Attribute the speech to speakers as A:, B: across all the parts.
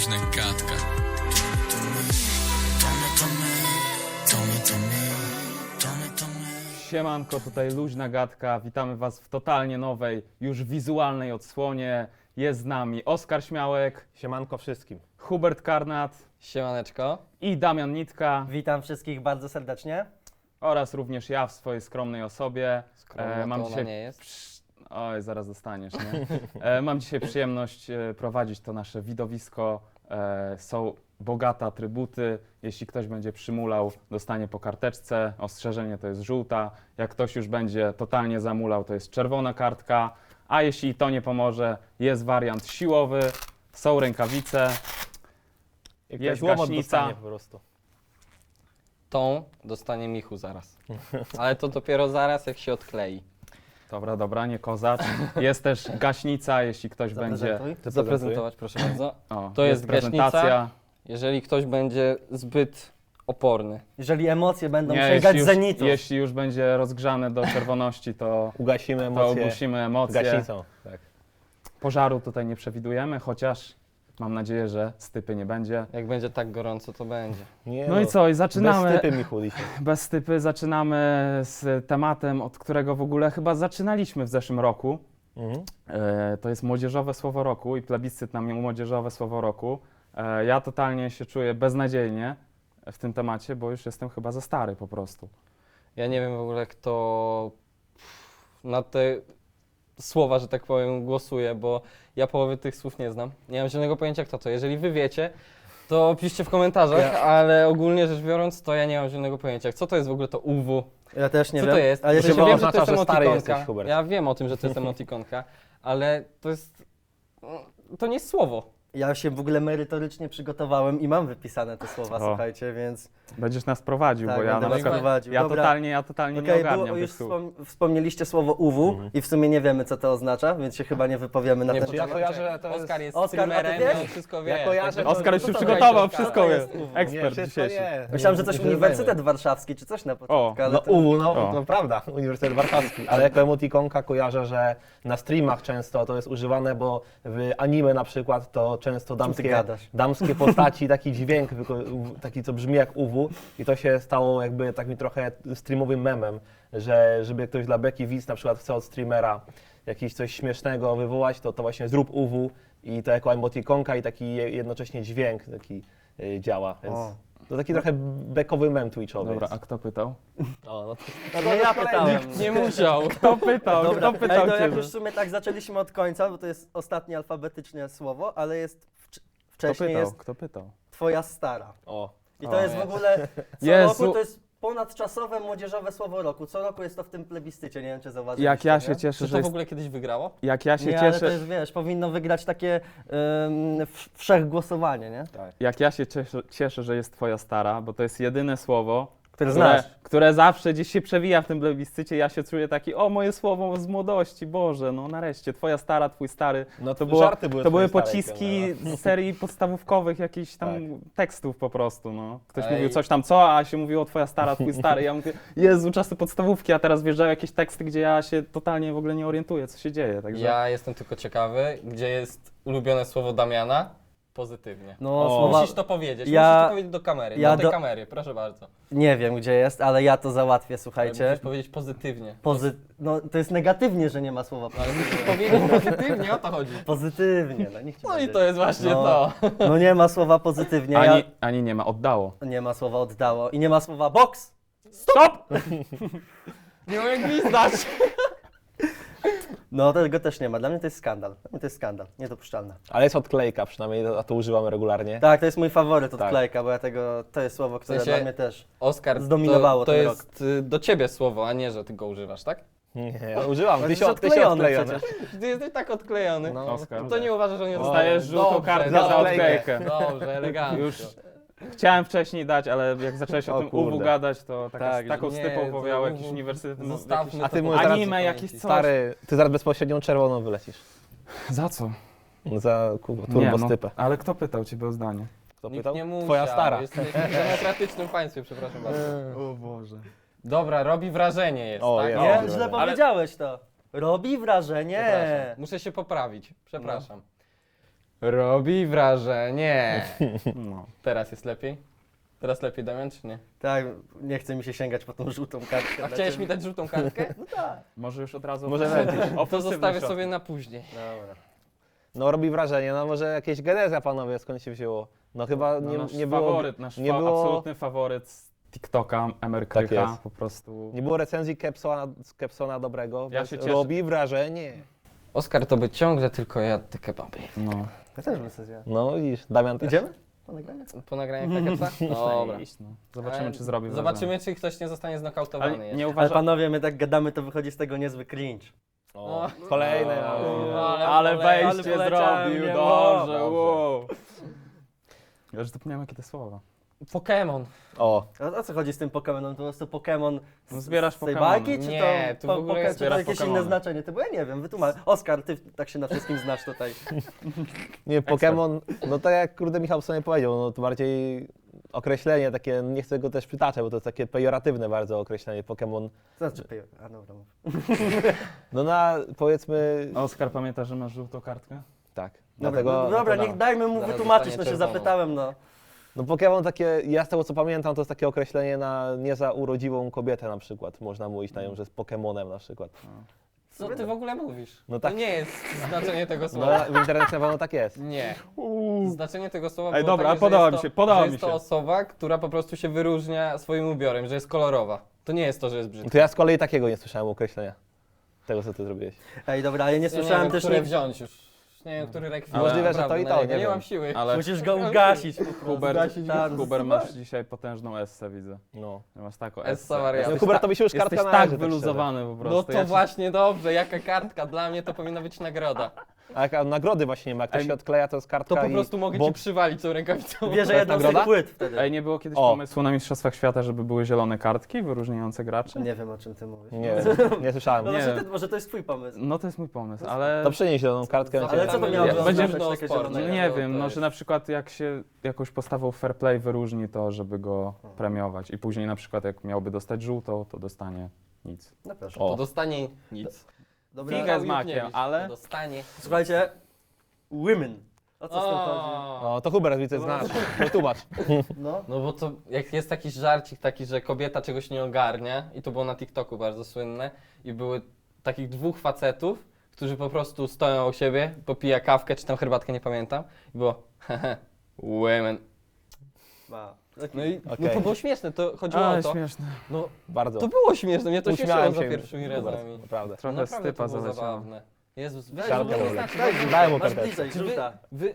A: Luźna gadka.
B: Siemanko, tutaj Luźna Gadka. Witamy Was w totalnie nowej, już wizualnej odsłonie. Jest z nami Oskar Śmiałek,
C: Siemanko wszystkim.
B: Hubert Karnat
D: Siemaneczko.
B: i Damian Nitka
E: Witam wszystkich bardzo serdecznie.
B: oraz również ja w swojej skromnej osobie.
D: Skromna
B: mam
D: to ona
B: dzisiaj
D: nie jest.
B: Oj, zaraz dostaniesz, nie? Mam dzisiaj przyjemność prowadzić to nasze widowisko. Są bogate atrybuty. Jeśli ktoś będzie przymulał, dostanie po karteczce. Ostrzeżenie to jest żółta. Jak ktoś już będzie totalnie zamulał, to jest czerwona kartka. A jeśli to nie pomoże, jest wariant siłowy. Są rękawice. Jest
C: łomot
B: gaśnica.
C: dostanie po prostu.
D: Tą dostanie Michu zaraz. Ale to dopiero zaraz, jak się odklei.
B: Dobra, nie kozacz. Jest też gaśnica, jeśli ktoś będzie...
E: Zaprezentuj.
D: Zaprezentować, proszę bardzo.
B: O,
D: To jest
B: prezentacja.
D: gaśnica. Jeżeli ktoś będzie zbyt oporny.
E: Jeżeli emocje będą
B: Nie,
E: sięgać
B: jeśli
E: zenitu.
B: jeśli już będzie rozgrzane do czerwoności, to
C: Ugasimy
B: to
C: emocje
B: ogłusimy emocje.
C: gaśnicą. Tak.
B: Pożaru tutaj nie przewidujemy, chociaż mam nadzieję, że stypy nie będzie.
D: Jak będzie tak gorąco, to będzie.
C: Nie
B: No i co, i
C: Bez
B: zaczynamy.
C: stypy Michu dzisiaj.
B: Bez stypy zaczynamy z tematem, od którego w ogóle chyba zaczynaliśmy w zeszłym roku.
C: Mhm.
B: To jest młodzieżowe słowo roku i plebiscyt na młodzieżowe słowo roku. Ja totalnie się czuję beznadziejnie w tym temacie, bo już jestem chyba za stary po prostu.
D: Ja nie wiem w ogóle, kto na te słowa, że tak powiem, głosuje, bo ja połowy tych słów nie znam. Nie mam żadnego pojęcia, kto to. Jeżeli wy wiecie, to piszcie w komentarzach, ale ogólnie rzecz biorąc, to ja nie mam żadnego pojęcia. Co to jest w ogóle to UW?
E: Ja też nie
D: Co
E: wiem.
D: to jest?
E: Ale
D: W
E: ja
D: sensie
E: się
D: wiem,
C: oznacza,
D: że to jest
C: że stary
D: emotikonka.
C: jesteś, Hubert.
D: Ja wiem o tym, że to jest emotikonka, ale to jest... To nie jest słowo.
E: Ja się w ogóle merytorycznie przygotowałem i mam wypisane te słowa,
B: O.
E: słuchajcie, więc
B: Będziesz nas prowadził,
E: tak,
B: bo ja
E: będę
B: na
E: was
B: przykład
E: prowadził.
B: ja
E: Dobra.
B: totalnie nie
E: Okej,
B: ogarniam
E: było,
B: tych
E: już
B: słów.
E: wspomnieliście słowo UW i w sumie nie wiemy, co to oznacza, więc się chyba nie wypowiemy na
D: Nie,
E: ten
C: Czy ja
E: temat.
C: kojarzę, że to jest...
D: Oskar jest
E: Oskar, a ty
D: streamerem
E: wiesz?
D: i on wszystko wie.
C: Ja kojarzę,
D: Także-
B: Oskar już
E: to
B: się
E: to
B: przygotował,
E: weź,
B: wszystko
E: to
B: wie.
E: jest UW.
B: Ekspert
C: wszystko
B: dzisiejszy.
C: nie.
E: Myślałem, że coś
C: Nie
E: Uniwersytet Warszawski czy coś na początku, ale
C: No
E: to...
C: UW, no
B: O.
C: to prawda, Uniwersytet Warszawski, ale jako emotikonka kojarzę, że na streamach często to jest używane, bo w anime na przykład to często
E: ty gadasz?
C: damskie postaci, taki dźwięk, taki co brzmi jak UW i to się stało jakby takim trochę streamowym memem, że żeby ktoś dla beki widz na przykład chce od streamera jakieś coś śmiesznego wywołać, to właśnie zrób UW i to jako emotikonka i taki jednocześnie dźwięk taki działa, więc
E: O.
C: to taki trochę bekowy mem twitchowy
B: Dobra,
C: jest.
B: a kto pytał?
C: O, no
E: No to ja pytałem.
D: Nie musiał.
B: Kto pytał?
E: Dobra,
B: Kto pytał
E: to jak
B: ciebie?
E: już w sumie tak zaczęliśmy od końca, bo to jest ostatnie alfabetyczne słowo, ale jest
B: Kto
E: wcześniej
B: pytał?
E: jest
B: Kto pytał?
E: twoja stara.
C: o.
E: I to jest w ogóle, co
B: Jezu.
E: roku to jest ponadczasowe młodzieżowe słowo roku. Co roku jest to w tym plebiscycie, nie wiem czy zauważyliście.
B: Jak ja
E: nie?
B: się cieszę,
D: Czy
B: że
D: to w
B: jest...
D: ogóle kiedyś wygrało?
B: Jak ja się
E: Nie, ale to
B: cieszę...
E: jest, wiesz, powinno wygrać takie wszechgłosowanie, nie?
B: Jak ja się cieszę, że jest twoja stara, bo to jest jedyne słowo,
E: Które znasz.
B: które zawsze gdzieś się przewija w tym plebiscycie. Ja się czuję taki, o moje słowo z młodości, Boże, no nareszcie, twoja stara, twój stary.
C: No
B: To,
C: żarty były
B: to były
C: twojej starej
B: pociski
C: ciągle,
B: z serii podstawówkowych jakichś tam
C: Tak.
B: tekstów po prostu, no. Ktoś
D: Ej.
B: mówił coś tam co, a się mówiło twoja stara, twój stary. Ja mówię, Jezu, czasy podstawówki, a teraz wjeżdżają jakieś teksty, gdzie ja się totalnie w ogóle nie orientuję, co się dzieje, także...
D: Ja jestem tylko ciekawy, gdzie jest ulubione słowo Damiana? Pozytywnie.
E: No,
C: O.
E: słowa...
D: Musisz to powiedzieć,
E: Ja-
D: musisz to powiedzieć do kamery,
E: ja
D: do tej
E: do-
D: kamery, proszę bardzo.
E: Nie wiem gdzie jest, ale ja to załatwię,
D: Ale
E: słuchajcie.
D: musisz powiedzieć pozytywnie.
E: No to jest negatywnie, że nie ma słowa
D: Ale musisz powiedzieć pozytywnie, o to chodzi.
E: pozytywnie. No, niech ci
D: No i
E: będzie.
D: to jest właśnie
E: No.
D: to.
E: No nie ma słowa pozytywnie,
B: Ani nie ma, oddało.
E: nie ma słowa oddało i nie ma słowa box.
B: Stop!
D: Nie mam jak gwizdać.
E: No tego też nie ma, dla mnie to jest skandal. Dla mnie to jest skandal, niedopuszczalne.
C: Ale jest odklejka przynajmniej, a to używamy regularnie.
E: Tak, to jest mój faworyt
C: Tak.
E: odklejka, bo to jest słowo, które
D: sensie-
E: dla mnie też.
D: Oskar,
E: Zdominowało
D: to
E: ten
D: jest do ciebie słowo, a nie, że ty go używasz, tak?
C: Nie, ja używam,
E: Ale
C: ty się
E: jest odklejony
C: odklejone.
E: przecież.
D: Ty jesteś tak odklejony.
C: No,
B: Oskar.
D: To nie uważasz, że nie
B: Dostajesz żółtą
D: Dobrze,
B: kartkę
C: za
B: za
C: odklejkę.
B: odklejkę.
D: Dobrze, elegancko.
B: Już chciałem wcześniej dać, ale jak zacząłeś o
C: O
B: tym
C: kurde.
B: UW gadać, to
E: Tak,
B: taką
D: że
B: stypą
D: nie,
B: powiał
D: to
B: jakiś
D: UW
B: uniwersytet.
D: Zostawmy
C: A ty
D: to
C: mówisz
D: po
C: teraz-
B: Anime,
D: pamięci.
B: jakieś coś.
C: Stary, ty zaraz bezpośrednią czerwoną wylecisz.
B: Za co?
C: Za turbo stypę.
B: ale kto pytał ciebie o zdanie?
C: Kto
D: Nikt
C: pytał?
D: nie musiał.
C: Twoja stara.
D: Jesteśmy w demokratycznym państwie, przepraszam bardzo.
B: O Boże.
D: Dobra, robi wrażenie jest,
C: O,
D: tak?
C: jest.
E: Nie,
C: dobra,
E: źle
C: dobra.
E: powiedziałeś to. Robi wrażenie.
D: Przepraszam. Muszę się poprawić, przepraszam. Robi wrażenie.
B: No.
D: Teraz jest lepiej? Teraz lepiej, Damian, czy nie?
E: Tak, nie chce mi się sięgać po tą żółtą kartkę.
D: A chciałeś mi dać żółtą kartkę?
B: Może już od razu...
C: Może lepiej.
D: To zostawię sobie na później.
E: Dobra.
C: No robi wrażenie, no może jakieś geneza, panowie, skąd się wzięło? No chyba
B: No, nasz
C: nie było...
B: faworyt, nasz
C: nie było-
B: absolutny faworyt z TikToka, Emerkrycha,
C: Tak jest.
B: po prostu...
C: Nie było recenzji Kepsona dobrego,
B: Ja
C: więc
B: się cieszę.
C: robi wrażenie.
D: Oskar to by ciągle tylko jadł te kebaby.
B: No.
E: Ja też bym sobie zjadł.
C: No widzisz, Damian też.
E: Idziemy? Po nagraniu?
D: Po nagraniu Kepsa? Dobra.
B: Iść, no. Zobaczymy, czy zrobi
D: Zobaczymy, czy ktoś nie zostanie znokautowany.
B: Ale
D: jeszcze.
B: nie
E: Ale
B: uważam...
E: panowie, my tak gadamy, to wychodzi z tego niezły cringe.
C: O, kolejne.
B: Ale wejście
E: ale poleciałem,
B: zrobił,
E: nie
B: dobrze,
C: mogę.
B: wow. Ja już zapomniałem, jakie te słowa.
D: Pokémon.
C: O,
E: O co chodzi z tym Pokemonem? To po prostu Pokemon
B: No zbierasz
E: z tej
B: Pokemony.
E: bajki, czy
D: Nie,
E: to,
D: tu w ogóle
E: czy to
B: zbierasz
E: jakieś
B: Pokemony.
E: inne znaczenie? Bo ja nie wiem, wytłumacz. Oskar, ty tak się na wszystkim znasz tutaj.
C: nie, Pokémon, no tak jak kurde Michał sobie powiedział, no to bardziej określenie takie, nie chcę go też przytaczać, bo to jest takie pejoratywne bardzo określenie Pokémon.
E: Co znaczy pejo? A dobra, mów.
C: No na, powiedzmy,
B: Oskar, pamiętasz, że masz żółtą kartkę?
C: tak.
E: Dobra,
C: Dlatego,
E: no, dobra,
C: no,
E: niech dajmy mu
D: Zaraz
E: wytłumaczyć, no
D: dostanie
E: się
D: czerwoną.
E: zapytałem, no.
C: No Pokémon takie, ja z tego co pamiętam, to jest takie określenie na nie za urodziwą kobietę na przykład. Można mówić na nią, że jest Pokémonem na przykład.
D: Co ty w ogóle mówisz?
C: No tak.
D: To nie jest znaczenie tego
C: No
D: słowa.
C: w internecie na pewno tak jest.
D: Nie. Znaczenie tego słowa
B: Ej,
D: było
B: dobra,
D: takie, że
B: podoba
D: jest
B: mi
D: to-
B: się, podoba
D: że
B: mi
D: jest to
B: się.
D: osoba, która po prostu się wyróżnia swoim ubiorem, że jest kolorowa. To nie jest to, że jest brzydka.
C: To ja z kolei takiego nie słyszałem określenia. Tego co ty zrobiłeś.
E: Ej, dobra, ale nie
D: Ja nie
E: słyszałem
D: wiem,
E: też
D: które
E: nie...
D: wziąć już. Nie wiem, który rekwizyt.
B: Ale-
C: Możliwe, że to i to,
D: naprawdę,
C: nie
D: nie
C: wiem.
D: mam siły.
B: Ale
E: Musisz go ugasić po prostu.
B: Hubert,
E: Zgasić go. Tak,
B: Hubert, masz dzisiaj potężną essę, widzę.
C: No.
B: Masz taką
D: Essa
B: essę.
D: wariata.
C: No
D: Jesteś
C: Hubertowi się już kartka
B: Jesteś
C: należy,
B: tak wyluzowany po prostu.
D: No to
B: Ja ci-
D: właśnie dobrze, jaka kartka. Dla mnie to powinna być nagroda.
C: A jak nagrody właśnie nie ma, jak ktoś
B: Ej,
C: się odkleja, to jest kartka
D: To po
C: i
D: prostu mogę ci
C: boks.
D: przywalić tą rękawicą.
E: Bierze
C: jest
E: jedną z tych
C: nagroda?
E: płyt wtedy.
B: Ej, nie było kiedyś
C: O.
B: pomysłu na Mistrzostwach Świata, żeby były zielone kartki wyróżniające graczy?
E: Nie wiem, o czym ty mówisz.
C: Nie, nie słyszałem.
E: No
B: Nie.
E: właśnie, może to jest twój pomysł.
B: No to jest mój pomysł, ale...
C: To przynieś zieloną kartkę.
E: Ale co to miało
B: Ja-
E: być
B: będzie-
E: takie zielone?
B: Nie wiem, no że na przykład jak się jakąś postawą fair play wyróżni to, żeby go premiować i później na przykład jak miałby dostać żółtą, to dostanie nic.
E: No proszę.
D: To
C: O.
D: dostanie nic.
E: Dobra.
B: Figa z
D: Michał
B: makiem,
D: Jukniewicz,
B: ale-
D: to dostanie.
E: Słuchajcie, women. O co z tym chodzi?
D: O,
C: No to Hubert, widzę, znasz. Wytłumacz.
E: No.
D: no bo to jak jest taki żarcik taki, że kobieta czegoś nie ogarnia i to było na TikToku bardzo słynne i były takich dwóch facetów, którzy po prostu stoją u siebie, popija kawkę czy tam herbatkę, nie pamiętam i było hehe, women.
E: Ma.
D: No i no
C: Okej.
D: to było śmieszne, to chodziło
B: Ale
D: o to.
B: śmieszne.
D: No
C: Bardzo.
D: to było śmieszne, mnie to śmieszyło
C: Uśmiałem
D: za
C: się.
D: pierwszymi
C: Hubert,
D: razami.
C: Naprawdę.
B: Trochę
D: Naprawdę
B: stypa
D: to było
B: zaleciało.
D: zabawne. Jezus, weź,
C: Kartkę
D: w ogóle
C: dałem.
D: znaczy,
E: Daj,
D: w ogóle-
C: Daj mu
E: masz
C: karteczkę.
E: bliżej,
D: Czy
E: żółta.
D: wy,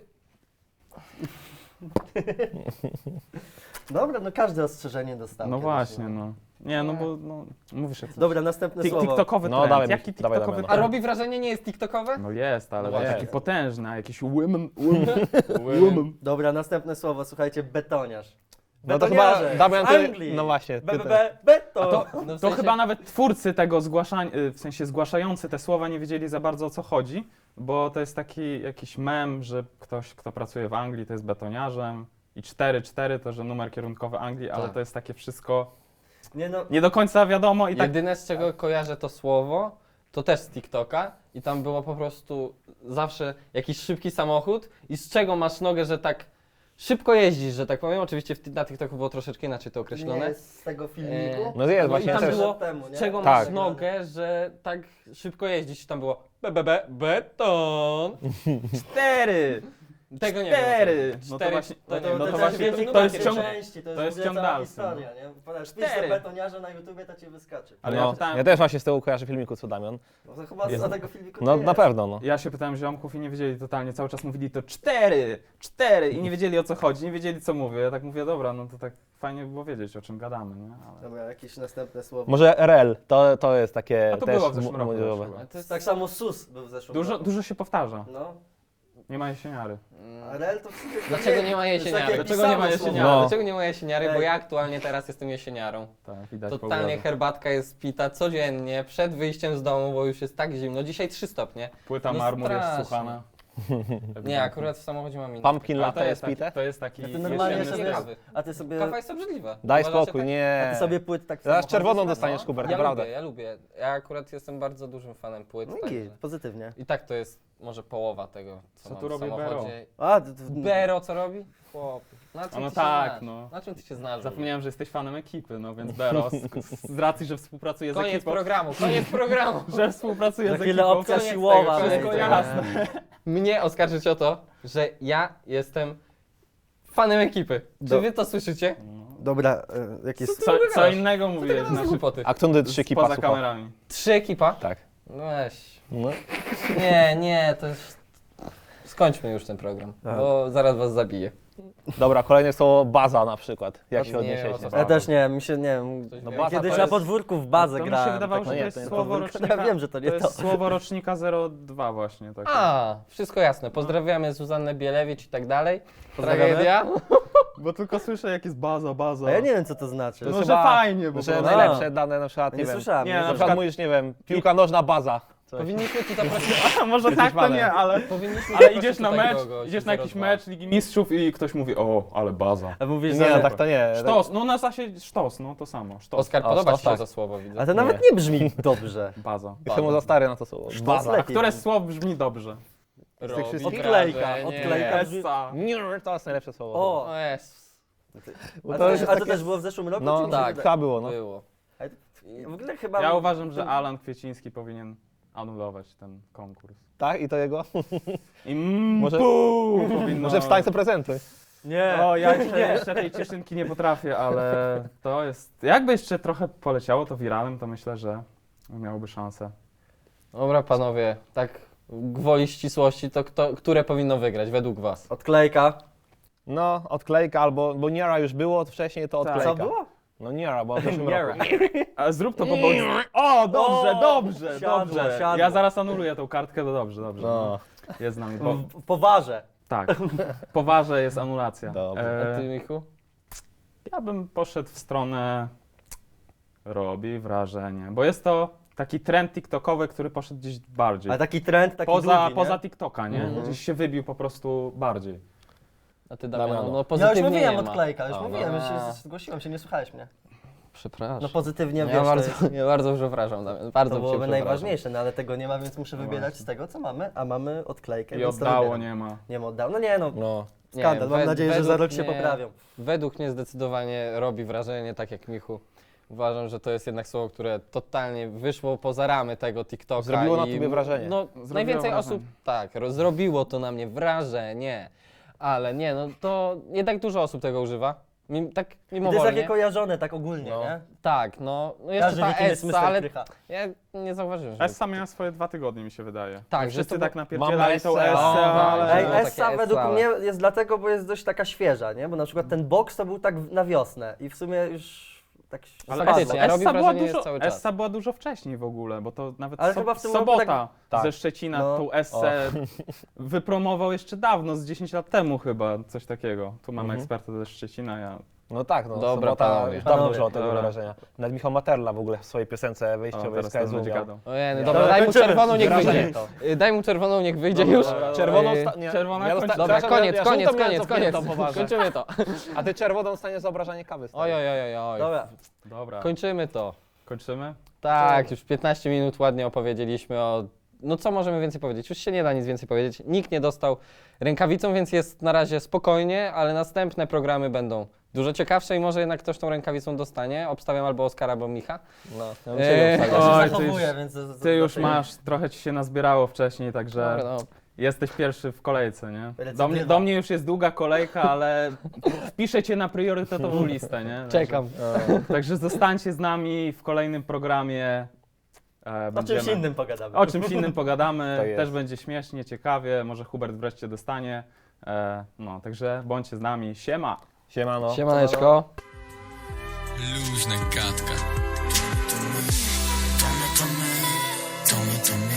E: Dobra, no każde ostrzeżenie dostał.
B: No
E: kiedyś,
B: właśnie, no. Nie, no bo no, mówisz jak
E: Dobra, następne słowo.
B: TikTokowy
C: No,
B: trend.
C: dawaj,
B: Jaki
C: dawaj,
B: TikTokowy
C: dawaj,
D: a
B: trend?
D: robi wrażenie, nie jest TikTokowe?
B: No jest, ale
C: No
B: taki
C: jest.
B: potężny, a jakiś women.
E: Dobra, następne słowo, słuchajcie, betoniarz.
C: No to chyba
E: Betoniarze
C: Damian,
E: z
C: ty,
E: Anglii.
C: no właśnie, ty
E: Beton.
D: No w
B: To
D: sensie-
B: chyba nawet twórcy tego zgłaszania, w sensie zgłaszający te słowa nie wiedzieli za bardzo o co chodzi, bo to jest taki jakiś mem, że ktoś, kto pracuje w Anglii, to jest betoniarzem i 4-4 to, że numer kierunkowy Anglii, ale
D: Tak.
B: to jest takie wszystko
E: Nie no,
B: nie do końca wiadomo i tak
D: Jedyne z czego kojarzę to słowo, to też z TikToka i tam było po prostu zawsze jakiś szybki samochód i z czego masz nogę, że tak szybko jeździsz, że tak powiem. Oczywiście na TikToku było troszeczkę inaczej to
E: nie
D: określone.
E: jest z tego filmiku.
C: No jest
D: No i
C: właśnie
D: tam
C: też.
D: było,
E: Temu, nie?
D: z czego
C: Tak.
D: masz nogę, że tak szybko jeździsz. Tam było beton.
B: 4!
D: Tego nie wiem.
B: 4! No to
D: Cztery,
B: właśnie,
D: to nie
B: no
D: wiem,
B: to
D: to
B: właśnie,
D: jest
B: to
D: numer
B: jest ciąg...
E: części,
B: to
E: to
B: jest
E: jest
B: ciąg
E: cała
B: dalszy,
E: historia, nie? Podasz
B: Cztery.
E: betoniarza na YouTubie, to ci wyskoczy.
B: Ale
C: No,
B: ja pytałem,
C: ja też właśnie z tego kojarzę filmiku co Damian.
E: No to chyba
C: Jest.
E: z tego filmiku
C: No
E: nie
C: na
E: jest.
C: pewno, no.
B: ja się pytałem ziomków i nie wiedzieli totalnie, cały czas mówili to 4 i nie wiedzieli o co chodzi, nie wiedzieli co mówię. Ja tak mówię, dobra, no to tak fajnie by było wiedzieć o czym gadamy, nie? Ale...
E: Dobra, jakieś następne słowo.
C: Może RL, to jest takie
B: A to
C: też
B: było w zeszłym roku
C: młodzieżowe.
B: też chyba.
D: Ale to jest
E: Tak samo SUS był w zeszłym roku.
B: Dużo się powtarza,
E: No,
B: nie ma jesieniary.
E: a RL to w sumie...
D: Dlaczego nie ma
E: to jest
D: jesieniary?
E: takie
B: Dlaczego nie ma
E: pisane
B: jesieniary?
E: słowo.
C: No.
D: Dlaczego nie ma jesieniary? Bo
E: Ej.
D: ja aktualnie teraz jestem jesieniarą.
B: Tak, widać po
D: Totalnie
B: obrazach.
D: herbatka jest pita codziennie, przed wyjściem z domu, bo już jest tak zimno. Dzisiaj 3 stopnie.
B: Płyta
D: No
B: marmur jest
D: strasznie.
B: słuchana.
D: Nie, akurat w samochodzie mam inny.
C: Pumpkin
B: Ale
C: latte jest
B: taki,
C: pite?
B: to jest taki
E: A ty normalnie
B: jesienny
E: sobie-
B: styl.
D: kawy.
E: A ty sobie,
D: Kawa jest obrzydliwa.
C: Daj
D: Uważacie
C: spokój,
D: tak?
C: nie.
E: a ty sobie płyt tak w
C: Zaraz
E: samochodzie
C: czerwoną
E: sobie-
C: dostaniesz,
D: No,
C: Hubert,
D: ja
C: naprawdę.
D: lubię, ja lubię. Ja akurat jestem bardzo dużym fanem płyt.
E: No i
D: także-
E: git, pozytywnie.
D: I tak to jest może połowa tego, co,
B: Co
D: mam
B: tu
D: w
B: robi
D: samochodzie.
E: A,
D: Bero co robi? Chłop. Na czym
B: No
D: ty
B: tak,
D: się znasz?
B: no.
D: Na czym ty się znasz?
B: Zapomniałem, że jesteś fanem ekipy, no więc Beros, z racji, że współpracuje z
D: Koniec
B: ekipą,
D: programu, koniec programu.
B: że współpracuje
E: za
B: z
E: chwilę
B: ekipą,
E: opcja
D: koniec
E: siłowa
D: tego,
B: wszystko
E: wejdzie,
B: jasne.
E: nie?
D: Mnie oskarżyć o to, że ja jestem fanem ekipy. Czy
E: Do-
D: wy to słyszycie?
E: Dobra, jakieś...
B: Co innego mówiłeś,
D: To
B: znaczy,
D: głupoty.
C: A kto 3 kipa
B: poza
C: słuchał?
B: kamerami.
D: 3 ekipa?
C: Tak.
D: No weź.
C: No.
D: Nie, to jest... Skończmy już ten program,
E: Tak.
D: bo zaraz was zabiję.
C: Dobra, kolejne słowo baza na przykład. Jak
D: Nie
C: się
D: wiem, o
C: odniesiecie?
D: co
E: Ja też nie, mi się, nie wiem,
D: Ktoś
C: No
D: wie?
C: baza
E: kiedyś
C: to
E: na
C: jest-
E: podwórku w bazę
B: To mi
E: grałem.
B: się wydawało,
E: tak,
B: że
C: no
B: to
C: nie,
B: jest
C: to nie
B: słowo
E: podwórko.
B: rocznika.
E: Ja wiem, że to nie
B: to jest słowo rocznika 02 właśnie. Takie.
D: A, wszystko jasne. Pozdrawiamy Zuzannę Bielewicz i tak dalej.
E: Pozdrawiamy.
D: Tragedia.
B: Bo tylko słyszę, jak jest baza.
E: A ja nie wiem, co to znaczy.
B: No,
C: jest
B: że
C: chyba-
B: fajnie, bo
C: Że
B: prostu.
C: najlepsze dane na przykład,
E: Nie,
C: nie wiem.
E: słyszałem.
B: Nie,
E: nie
B: na
C: Na
E: słyszałem.
C: przykład mówisz, nie wiem, piłka nożna baza. Coś.
D: Powinniśmy tu zaprosić...
B: A może tak to
C: fanem.
B: nie, ale
D: Powinniśmy
B: ale
D: zaprosić
B: idziesz na
D: tutaj
B: mecz,
D: kogoś
B: idziesz na jakiś
D: 02.
B: mecz Ligi Mistrzów i ktoś mówi, o, ale baza.
E: A mówisz,
C: Nie,
E: że...
C: no tak to nie.
B: Sztos, no na zasadzie sztos, no to samo, sztos.
D: Oskar,
C: O,
D: podoba
C: sztos,
D: ci się
C: tak.
D: to słowo, widzę.
E: A to nawet nie brzmi dobrze.
B: Baza.
C: Jestem mu za stary na to słowo. Baza.
E: lepiej.
B: Które słowo brzmi dobrze?
D: Robi
C: wszystkich?
E: Odklejka,
D: wrażenie.
E: odklejka.
B: Essa.
C: Nie, to jest najlepsze słowo.
E: O,
D: O jest.
E: a to też było w zeszłym roku?
C: No
E: czy mi się
C: tak,
E: wydaje?
C: chyba było, no.
D: Było.
E: W ogóle chyba...
B: Ja uważam, że Alan Kwieciński powinien anulować ten konkurs.
C: Tak? I to jego?
B: I
C: Może-
B: powinno...
C: Może w tańcu prezentuj.
E: Nie.
B: O, ja jeszcze tej cieszynki nie potrafię, ale to jest... Jakby jeszcze trochę poleciało to wiralem, to myślę, że miałoby szansę.
D: Dobra panowie, tak gwoli ścisłości, to które powinno wygrać według was?
E: Odklejka.
C: No, odklejka albo, bo Niera już było wcześniej, to
B: Tak.
C: odklejka.
E: Co było?
C: No Niera, bo w zeszłym
E: Niera.
C: roku.
B: A zrób to po boku. O, dobrze,
E: O,
B: dobrze,
E: siadło,
B: dobrze.
E: siadło.
B: Ja zaraz anuluję tą kartkę, to dobrze, dobrze.
C: No.
B: Jest z nami. Bo,
E: W powarze.
B: tak, poważę jest anulacja.
C: Dobrze.
D: A ty, Michu?
B: Ja bym poszedł w stronę robi wrażenie, bo jest to taki trend tiktokowy, który poszedł gdzieś bardziej.
E: Ale taki trend, taki
B: Poza,
E: długi,
B: poza
E: nie?
B: TikToka, nie?
C: Mhm.
B: Gdzieś się wybił po prostu bardziej.
D: A ty
C: Damiano.
D: Damiano, no
E: Ja już
D: pozytywnie
E: mówiłem
D: nie ma.
E: odklejka, już
C: A,
E: mówiłem,
D: no.
E: już się zgłosiłem się, nie słuchałeś mnie.
D: Przepraszam.
E: No pozytywnie,
D: ja,
E: wiesz,
D: ja bardzo przepraszam, Damian, bardzo
E: to
D: cię
E: byłoby
D: przepraszam.
E: najważniejsze, no ale tego nie ma, więc muszę wybierać z tego, co mamy, a mamy odklejkę,
B: I
E: więc to
B: oddało
E: wybieram.
B: nie ma.
E: Nie ma oddało, no nie no,
C: No.
E: skandal,
D: Nie,
E: mam nadzieję, że za
D: według
E: rok się
D: mnie-
E: poprawią.
D: Według mnie zdecydowanie robi wrażenie, tak jak Michu. Uważam, że to jest jednak słowo, które totalnie wyszło poza ramy tego TikToka.
C: Zrobiło na
D: i-
C: tobie wrażenie.
D: No,
B: Zrobiło
D: najwięcej
B: wrażenie.
D: osób, tak, zrobiło to na mnie wrażenie, ale nie, no to jednak dużo osób tego używa. Tak
E: I to jest
D: mimowolnie.
E: takie kojarzone tak ogólnie,
C: No.
E: nie?
D: Tak, no jeszcze
E: Każdy
D: ta
E: wie, kim jest
D: Essa,
E: Mr.
D: ale
E: Krycha.
D: ja nie zauważyłem, że...
B: Essa miała swoje 2 tygodnie, mi się wydaje.
D: Tak, że
B: Wszyscy
D: to
B: tak
D: było-
B: napierdzielali
C: Mamy
B: tą
C: Essę,
B: Essę,
C: o,
B: ale...
D: tak.
E: Ej,
D: było takie
E: Essa według
D: ale-
E: mnie jest dlatego, bo jest dość taka świeża, nie? Bo na przykład ten boks to był tak na wiosnę i w sumie już tak
B: Ale
E: spadło.
D: faktycznie, a robi
B: Essa była,
D: wrażenie
B: dużo,
D: jest cały czas.
B: Essa była dużo wcześniej w ogóle, bo to nawet
E: Ale chyba w tym roku
B: Sobota
C: tak-
B: ze Szczecina
E: No.
B: tą Essę wypromował jeszcze dawno, z 10 lat temu chyba, coś takiego. Tu mamy
C: Mhm.
B: eksperta ze Szczecina, ja...
C: No tak, no.
D: Dobra,
C: Sobota
D: panowie.
C: już dawno
E: Panowie,
C: użyła tego
B: dobra.
C: wrażenia. Nawet Michał Materla w ogóle w swojej piosence
B: O,
C: wyjściowej
B: teraz
C: z
B: ten
C: KSW
B: będzie
C: miał.
B: gadał.
D: Ojej,
E: Dobra,
D: dobra, daj mu
E: kończymy.
D: czerwoną, niech
C: Wrażenie
D: wyjdzie.
E: to.
D: Daj mu czerwoną, niech wyjdzie już.
C: Czerwoną
B: Ej,
C: sta- nie,
B: czerwona
C: ja
B: kończy-
C: dosta-
D: Dobra,
C: przepraszam,
D: koniec,
C: ja
D: koniec,
C: żółtą miałem
D: koniec, koniec.
C: cofniętą poważnie.
D: Kończymy to.
C: A ty czerwoną dostaniesz za obrażanie kawy. stary.
D: Oj, oj, oj, oj.
E: Dobra,
B: Dobra,
D: Kończymy to.
B: kończymy?
D: Tak, już 15 minut ładnie opowiedzieliśmy o... No co możemy więcej powiedzieć? Już się nie da nic więcej powiedzieć. Nikt nie dostał rękawicą, więc jest na razie spokojnie, ale następne programy będą dużo ciekawsze i może jednak ktoś tą rękawicą dostanie. Obstawiam albo Oskara, albo Micha.
C: No, ja bym ciebie
E: ja
C: obstawiał.
E: się
B: Oj, ty
E: zachowuję,
B: już-
E: więc...
B: Ty już masz, trochę ci się nazbierało wcześniej, także
D: Dobra, no.
B: jesteś pierwszy w kolejce, nie?
E: Recydywa.
B: Do mnie już jest długa kolejka, ale wpiszę cię na priorytetową listę, nie? Także-
D: Czekam.
B: Także zostańcie z nami w kolejnym programie.
E: O czymś innym pogadamy.
B: O czymś innym pogadamy,
C: Tak jest.
B: też będzie śmiesznie, ciekawie, może Hubert wreszcie dostanie. No, także bądźcie z nami, siema!
C: Siemano.
D: Siemaneczko.
A: Luźna gadka. To my, to my, to my, to my, to my.